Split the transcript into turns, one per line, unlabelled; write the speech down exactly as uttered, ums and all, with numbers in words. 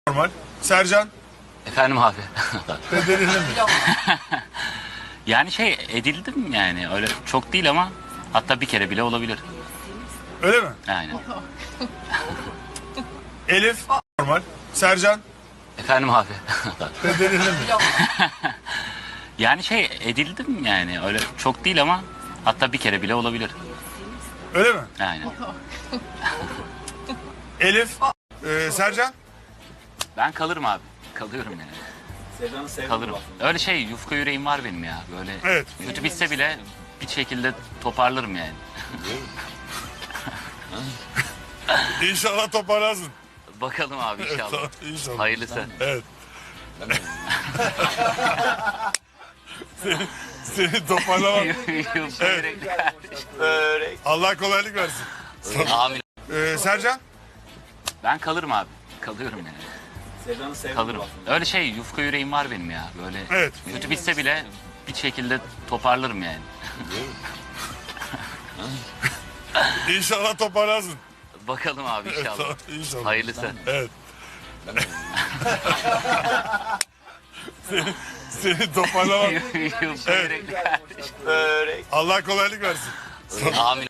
Normal. Sercan.
Efendim abi.
Reddedildin mi?
Yani şey edildim yani öyle çok değil ama hatta bir kere bile olabilir.
Öyle mi?
Aynen.
Elif. Normal. Sercan.
Efendim abi.
Reddedildin mi?
Yani şey edildim yani öyle çok değil ama hatta bir kere bile olabilir.
Öyle mi?
Aynen.
Elif. Ee, Sercan.
Ben kalırım abi. Kalıyorum yani.
Sercan'ı sevdim.
Kalırım. Öyle şey yufka yüreğim var benim ya. Böyle
Evet.
kötü bitse bile bir şekilde toparlarım yani.
İnşallah toparlarsın.
Bakalım abi inşallah.
İnşallah.
Hayırlısı.
Evet. seni, seni toparlamak.
Yufka
Evet.
yürekli
Börek.
Allah kolaylık versin.
Amin.
Ee, Sercan.
Ben kalırım abi. Kalıyorum yani.
Sercan'ı sevdim.
Kalırım. Öyle şey yufka yüreğim var benim ya. Böyle
Evet.
kötü bitse bile bir şekilde toparlarım yani.
İnşallah toparlarsın.
Bakalım abi inşallah.
İnşallah.
Hayırlısı.
Evet. seni, seni toparlamak.
Yufka
Evet.
yürekli
Börek.
Allah kolaylık versin.
Amin.